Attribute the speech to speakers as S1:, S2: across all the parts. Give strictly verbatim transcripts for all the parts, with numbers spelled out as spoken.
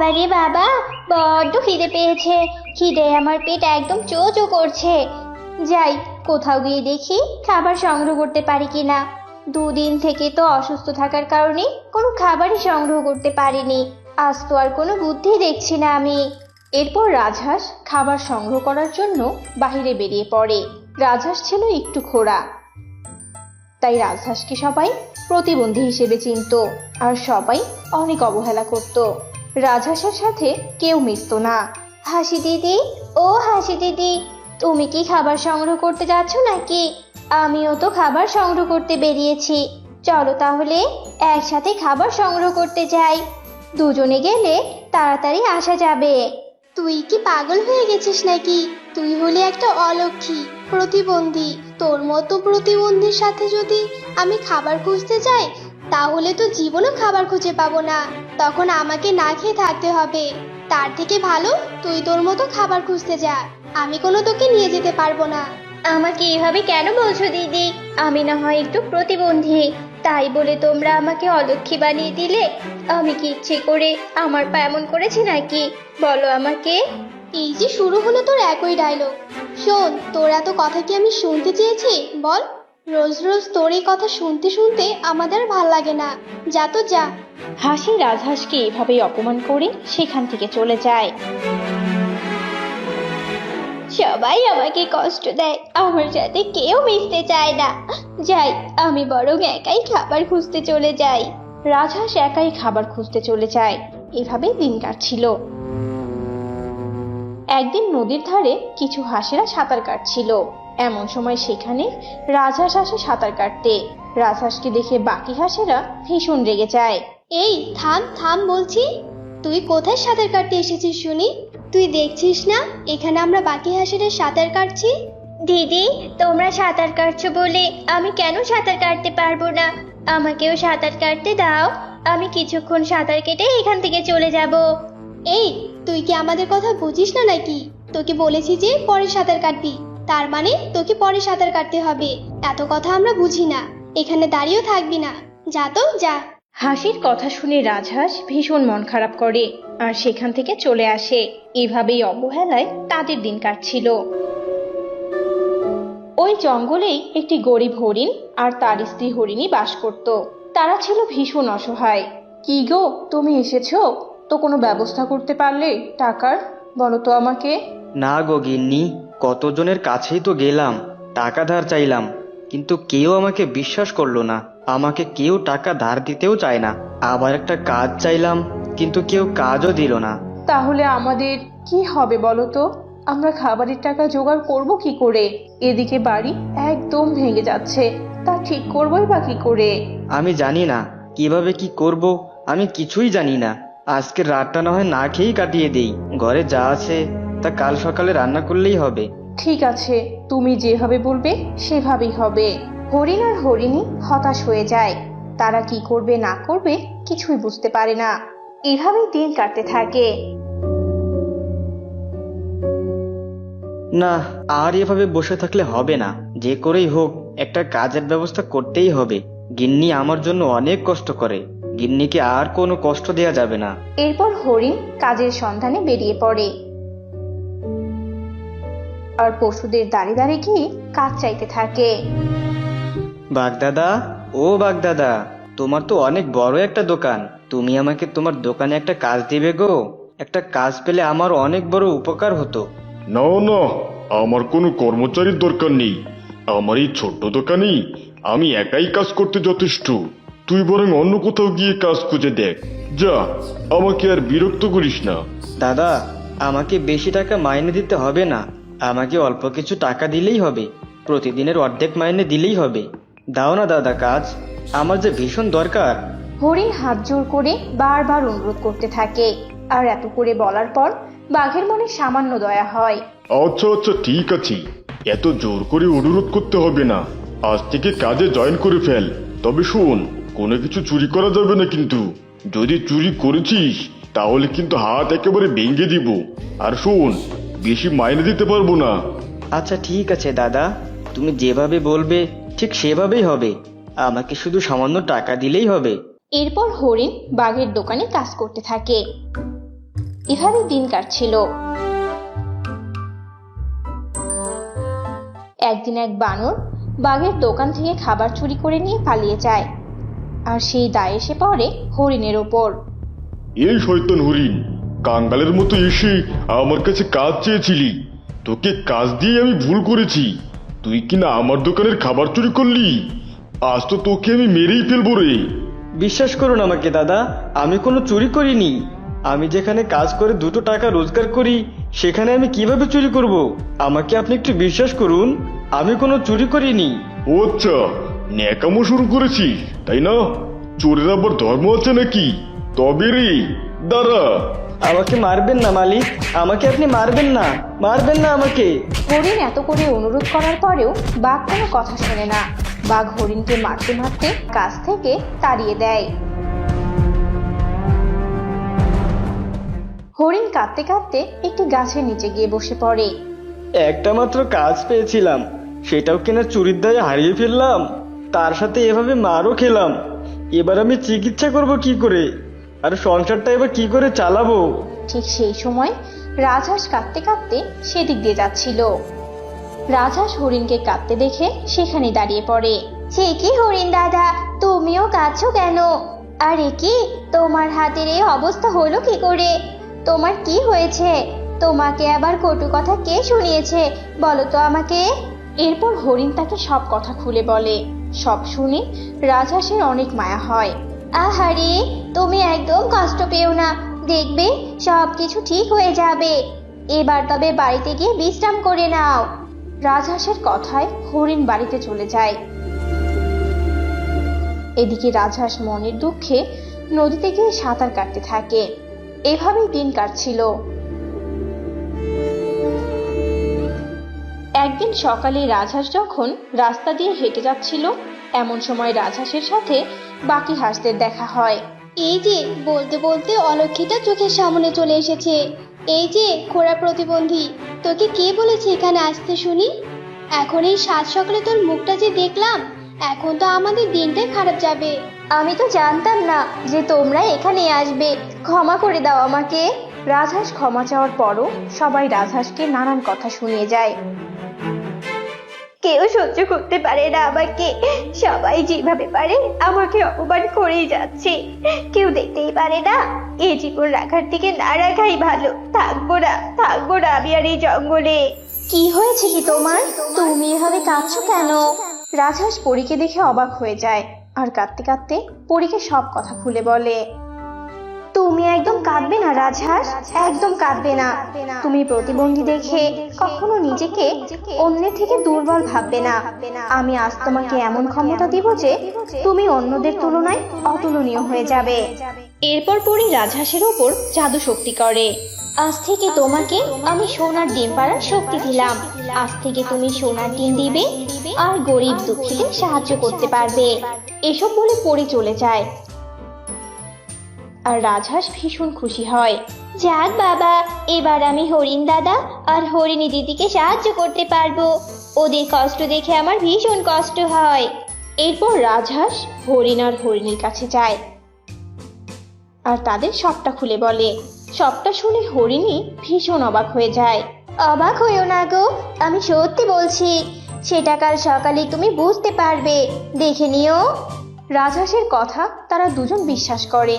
S1: বাবা রে বাবা, বড্ড খিদে পেয়েছে। খিদে আমার পেট একদম চো চো করছে। যাই, কোথাও গিয়ে দেখি খাবার সংগ্রহ করতে পারি কিনা। দুদিন থেকে তো অসুস্থ থাকার কারণে কোনো খাবারই সংগ্রহ করতে পারিনি। আজ তো আর কোনো বুদ্ধি দেখছি না আমি।
S2: এরপর রাজহাঁস খাবার সংগ্রহ করার জন্য বাহিরে বেরিয়ে পড়ে। রাজহাঁস ছিল একটু খোঁড়া, তাই রাজহাঁসকে সবাই প্রতিবন্ধী হিসেবে চিনতো আর সবাই অনেক অবহেলা করত। রাজহাঁসের সাথে কেউ মিশত না।
S1: হাসি দিদি, ও হাসি দিদি, তুমি কি খাবার সংগ্রহ করতে যাচ্ছ নাকি? আমিও তো খাবার সংগ্রহ করতে বেরিয়েছি। চলো তাহলে একসাথে খাবার সংগ্রহ করতে যাই। দুজনে গেলে তাড়াতাড়ি আসা যাবে। তুই কি পাগল হয়ে গেছিস নাকি? তুই হলি একটা অলক্ষী, প্রতিবন্ধী। তোর মতো প্রতিবন্ধীর সাথে যদি আমি খাবার খুঁজতে যাই, তাহলে তো জীবনও খাবার খুঁজে পাবো না। তখন আমাকে না খেয়ে থাকতে হবে। তার থেকে ভালো তুই তোর মতো খাবার খুঁজতে যা। আমি কোনো তোকে নিয়ে যেতে পারবো না। আমাকে এভাবে কেন বলছো দিদি? আমি না হয় একটু প্রতিবন্ধী, তাই বলে তোমরা আমাকে অলক্ষী বানিয়ে দিলে? আমি কি ইচ্ছে করে আমার পা এমন করেছি নাকি? বলো আমাকে। এই যে শুরু হলো তোর একই ডায়লগ। শোন, তোর এত কথা কি আমি শুনতে চেয়েছি? বল। রোজ রোজ তোর এই কথা শুনতে শুনতে আমাদের ভাল লাগে না। যা তো যা।
S2: হাসি রাজহাঁসকে এভাবেই অপমান করে সেখান থেকে চলে যায়।
S1: সবাই আমাকে কষ্ট দেয়, আমার সাথে কেউ মিশতে চায় না। যাই, আমি বরং একাই খাবার খুঁজতে চলে যাই।
S2: রাজহাঁস একাই খাবার খুঁজতে চলে যায়। এভাবেই দিন কাটছিল। একদিন নদীর ধারে কিছু হাঁসেরা সাঁতার কাটছিল। এমন সময় সেখানে রাজহাঁস আসে সাঁতার কাটতে। রাজহাঁসকে দেখে বাকি হাঁসেরা ভীষণ রেগে যায়।
S1: এই থাম থাম বলছি। তুই কোথায় সাঁতার কাটতে এসেছিস শুনি? তুই দেখছিস না এখানে আমরা বাকি হাঁসেরা সাঁতার কাটছি? দিদি, তোমরা সাঁতার কাটছো বলে আমি কেন সাঁতার কাটতে পারবো না? আমাকেও সাঁতার কাটতে দাও। আমি কিছুক্ষণ সাঁতার কেটে এখান থেকে চলে যাব। এই, তুই কি আমাদের কথা বুঝিস না নাকি? তোকে বলেছি যে পরে সাঁতার কাটবি, তার মানে তোকে পরে সাঁতার কাটতে হবে। এত কথা আমরা বুঝি না। এখানে দাঁড়িয়েও থাকবি না। যা তো যা।
S2: হাসির কথা শুনে রাজহাঁস ভীষণ মন খারাপ করে আর সেখান থেকে চলে আসে। এভাবেই অবহেলায় তাদের দিন কাটছিল। ওই জঙ্গলেই একটি গরিব হরিণ আর তার স্ত্রী হরিণী বাস করত। তারা ছিল ভীষণ অসহায়। কি গো, তুমি এসেছো? তো কোনো ব্যবস্থা করতে পারলে টাকার? বলো তো আমাকে।
S3: না গো গিন্নি, কতজনের কাছেই তো গেলাম, টাকা ধার চাইলাম, কিন্তু কেউ আমাকে বিশ্বাস করলো না। আমাকে কেউ টাকা ধার দিতেও চায় না। আবার একটা কাজ চাইলাম, কিন্তু কেউ কাজও দিল না।
S2: তাহলে আমাদের কি হবে বলো তো? আমরা খাবারের টাকা জোগাড় করব কি করে? এদিকে বাড়ি একদম ভেঙে যাচ্ছে, তা ঠিক করবোই বা কি করে?
S3: আমি জানি না কিভাবে কি করব, আমি কিছুই জানি না। আজকের রাতটা না হয় না খেয়েই কাটিয়ে দেই। ঘরে যা আছে তা কাল সকালে রান্না করলেই হবে।
S2: ঠিক আছে, তুমি যেভাবে বলবে সেভাবেই হবে। হরিণ আর হরিণী হতাশ হয়ে যায়। তারা কি করবে না করবে কিছুই বুঝতে পারে না। এভাবেই দিন কাটতে থাকে।
S3: না, আর এভাবে বসে থাকলে হবে না। যে করেই হোক একটা কাজের ব্যবস্থা করতেই হবে। গিন্নি আমার জন্য অনেক কষ্ট করে, গিন্নিকে আর কোনো কষ্ট দেয়া যাবে না।
S2: এরপর হরিণ কাজের সন্ধানে বেরিয়ে পড়ে আর পশুদের দাঁড়িয়ে দাঁড়িয়ে গিয়ে কাজ চাইতে থাকে।
S3: বাগদাদা, ও বাগদাদা, তোমার তো অনেক বড় একটা দোকান। তুমি আমাকে তোমার দোকানে একটা কাজ দিবে গো? একটা কাজ পেলে আমার অনেক বড় উপকার হতো।
S4: না না, আমার কোনো কর্মচারীর দরকার নেই। আমার এই ছোট্ট দোকানেই আমি একাই কাজ করতে যথেষ্ট। তুই বরং অন্য কোথাও গিয়ে কাজ খুঁজে দেখ। যা, আমাকে আর বিরক্ত করিস না।
S3: দাদা, আমাকে বেশি টাকা মাইনে দিতে হবে না, আমাকে অল্প কিছু টাকা দিলেই হবে। প্রতিদিনের অর্ধেক মাইনে দিলেই হবে। দাও না দাদা কাজ, আমার যে ভীষণ দরকার।
S2: হরিণ হাত জোর করে বারবার অনুরোধ করতে থাকে। আর এত করে বলার পর বাঘের মনে সামান্য দয়া হয়।
S4: আচ্ছা আচ্ছা, ঠিক আছে, এত জোর করে অনুরোধ করতে হবে না। আজ থেকে কাজে জয়েন করে ফেল। তবে শোন, কোনো কিছু চুরি করা যাবে না কিন্তু। যদি চুরি করেছিস তাহলে কিন্তু হাত একেবারে ভেঙে দিব। আর শোন, বেশি মাইনে দিতে পারবো না।
S3: আচ্ছা ঠিক আছে দাদা, তুমি যেভাবে বলবে ঠিক সেভাবেই হবে। আমাকে শুধু সামান্য টাকা দিলেই হবে।
S2: এরপর হরিণ বাঘের দোকানে কাজ করতে থাকে। এভাবে দিন কাটছিল। একদিন এক বানর বাঘের দোকান থেকে খাবার চুরি করে নিয়ে পালিয়ে যায়, আর সেই দায় এসে পড়ে হরিণের ওপর।
S4: এই শয়তান হরিণ, কাঙ্গালের মতো এসে আমার কাছে কাজ চেয়েছিলি। তোকে কাজ দিয়ে আমি ভুল করেছি। তুই কিনা আমার দোকানের খাবার চুরি করলি। আজ তো তোকে আমি মেরেই ফেলবো রে।
S3: বিশ্বাস করুন আমাকে দাদা, আমি কোনো চুরি করিনি। আমি যেখানে কাজ করে দুটো টাকা রোজগার করি সেখানে আমি কিভাবে চুরি করব? আমাকে আপনি একটু বিশ্বাস করুন, আমি কোনো চুরি করিনি।
S4: ও আচ্ছা, ন্যাকামো শুরু করেছিস তাই না? চোরের আবার ধর্ম আছে নাকি? তবে রে, দাঁড়া।
S3: আমাকে মারবেন না মালিক, আমাকে আপনি মারবেন না, মারবেন না আমাকে।
S2: হরিণ এত করে অনুরোধ করার পরেও বাঘ কোনো কথা শোনে না। বাঘ হরিণকে মারতে মারতে কাছ থেকে তাড়িয়ে দেয়। হরিণ কাঁদতে কাঁদতে একটি গাছের নিচে গিয়ে বসে পড়ে।
S3: একটা মাত্র কাজ পেয়েছিলাম, সেটাও কিনা চুরির দায়ে হারিয়ে ফেললাম। তার সাথে এভাবে মারও খেলাম। এবার আমি চিকিৎসা করব কি করে, আর সংসারটা এবার কি করে চালাবো?
S2: ঠিক সেই সময় রাজহাঁস কাঁদতে কাঁদতে সেদিক দিয়ে যাচ্ছিল। রাজহাঁস হরিণকে কাঁদতে দেখে সেখানে দাঁড়িয়ে পড়ে।
S1: সে কি হরিণ দাদা, তুমিও কাঁদছো কেন? আর এ কি, তোমার হাতের এই অবস্থা হলো কি করে? তোমার কি হয়েছে? তোমাকে আবার কটু কথা কে শুনিয়েছে, বলো তো আমাকে।
S2: এরপর হরিণ তাকে সব কথা খুলে বলে। সব শুনে রাজহাঁসের অনেক মায়া হয়।
S1: আহারে, তুমি একদম কষ্ট পেও না, দেখবে সব কিছু ঠিক হয়ে যাবে। এবার তবে বাড়িতে গিয়ে বিশ্রাম করে নাও।
S2: রাজহাঁসের কথায় হরিণ বাড়িতে চলে যায়। এদিকে রাজহাঁস মনের দুঃখে নদীতে গিয়ে সাঁতার কাটতে থাকে। এভাবেই দিন কাটছিল। একদিন সকালে রাজহাঁস যখন রাস্তা দিয়ে হেঁটে যাচ্ছিল, এমন সময় রাজহাঁসের সাথে বাকি হাঁসদের দেখা হয়।
S1: এই যে, বলতে বলতে অলক্ষীটা চোখের সামনে চলে এসেছে। এই যে খোড়া প্রতিবন্ধী, তোকে কে বলেছে এখানে আসতে শুনি? এখন এই সাত সকালে তোর মুখটা যে দেখলাম, এখন তো আমাদের দিনটাই খারাপ যাবে। আমি তো জানতাম না যে তোমরা এখানে আসবে, ক্ষমা করে দাও আমাকে।
S2: রাজহাঁস ক্ষমা চাওয়ার পরও সবাই রাজহাঁসকে নানান কথা শুনিয়ে যায়।
S1: কেউ সহ্য করতে পারে না আমাকে, সবাই যেভাবে পারে আমাকে অপমান করেই যাচ্ছে। কেউ দেখতেই পারে না, এই জীবন রাখার থেকে না রাখাই ভালো। থাকবো না, থাকবো না আমি আর এই জঙ্গলে।
S2: কি হয়েছে কি তোমার? তুমি এভাবে কাঁদছো কেন? রাজহাঁস পরীকে দেখে অবাক হয়ে যায়, আর কাঁদতে কাঁদতে পরীকে সব কথা খুলে বলে।
S1: তুমি একদম কাঁদবে না রাজহাঁস, একদম কাঁদবে না। তুমি প্রতিবন্ধী দেখে কখনো নিজেকে অন্যের থেকে দুর্বল ভাববে না। আমি আজ তোমাকে এমন ক্ষমতা দিব যে তুমি অন্যদের তুলনায় অতুলনীয় হয়ে যাবে।
S2: এরপর পরী রাজহাঁসের ওপর জাদু শক্তি করে।
S1: আজ থেকে তোমাকে আমি সোনার ডিম পাড়ার শক্তি দিলাম। আজ থেকে তুমি সোনার ডিম দিবে আর গরিব দুঃখীদের সাহায্য করতে পারবে।
S2: এসব বলে পরী চলে যায়, আর রাজহাঁস ভীষণ খুশি হয়।
S1: যাক বাবা, এবার আমি হরিণ দাদা আর হরিণী দিদিকে সাহায্য করতে পারবো। ওদের কষ্ট দেখে আমার ভীষণ কষ্ট হয়।
S2: এরপর রাজহাঁস হরিণ আর হরিণীর কাছে যায়, আর তাদের সবটা খুলে বলে। সবটা শুনে হরিণী ভীষণ অবাক হয়ে যায়।
S1: অবাক হইও না গো, আমি সত্যি বলছি। সেটা কাল সকালে তুমি বুঝতে পারবে, দেখে নিও।
S2: রাজহাঁসের কথা তারা দুজন বিশ্বাস করে,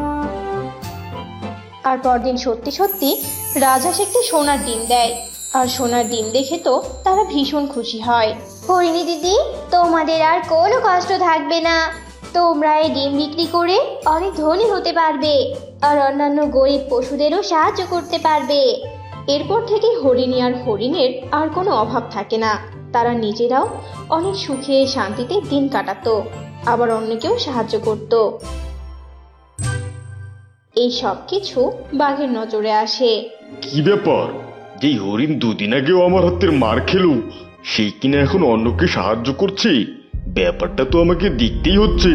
S2: আর পরদিন সত্যি সত্যি রাজহাঁস একটি সোনার ডিম দেয়। আর সোনার ডিম দেখে তো তারা ভীষণ খুশি হয়।
S1: হরিণী দিদি, তোমাদের আর কোনো কষ্ট থাকবে না। তোমরা এই ডিম বিক্রি করে অনেক ধনী হতে পারবে, আর অন্যান্য গরিব পশুদেরও সাহায্য করতে পারবে।
S2: এরপর থেকে হরিণী আর হরিণের আর কোনো অভাব থাকে না। তারা নিজেরাও অনেক সুখে শান্তিতে দিন কাটাতো, আবার অন্যকেও সাহায্য করত। এই সব কিছু বাঘের নজরে আসে।
S4: কি ব্যাপার, যেই হরিণ দুদিন আগেও আমার হাতের মার খেলো, সেই কিনা এখন অন্যকে সাহায্য করছে? ব্যাপারটা তো আমাকে দেখতেই হচ্ছে।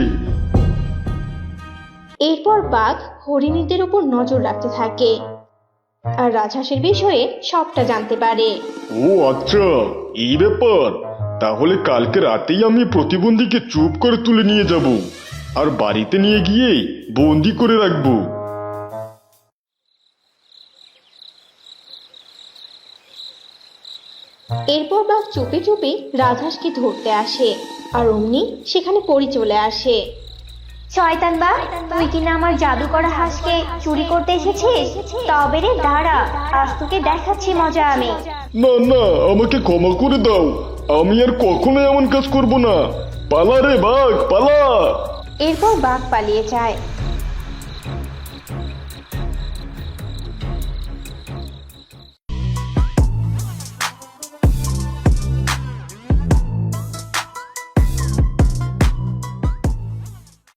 S2: এরপর বাঘ হরিণীদের উপর নজর রাখতে থাকে, আর রাজহাঁসের বিষয়ে সবটা জানতে পারে।
S4: ও আচ্ছা, এই ব্যাপার। তাহলে কালকে রাতেই আমি প্রতিবন্ধীকে চুপ করে তুলে নিয়ে যাব, আর বাড়িতে নিয়ে গিয়ে বন্দি করে রাখবো।
S2: এরপর বাঘ চুপি চুপি রাজহাঁসকে ধরতে আসে আর অমনি সেখানে পরি চলে আসে।
S1: শয়তান বাঘ, তুই কিনা আমার জাদু করা হাঁসকে চুরি করতে এসেছিস? তবে রে দাঁড়া, আজ তোকে দেখাচ্ছি মজা আমি।
S4: না না, আমাকে ক্ষমা করে দাও, আমি আর কখনো এমন কাজ করব না। পালা রে বাঘ, পালা।
S2: এরপর বাঘ পালিয়ে যায়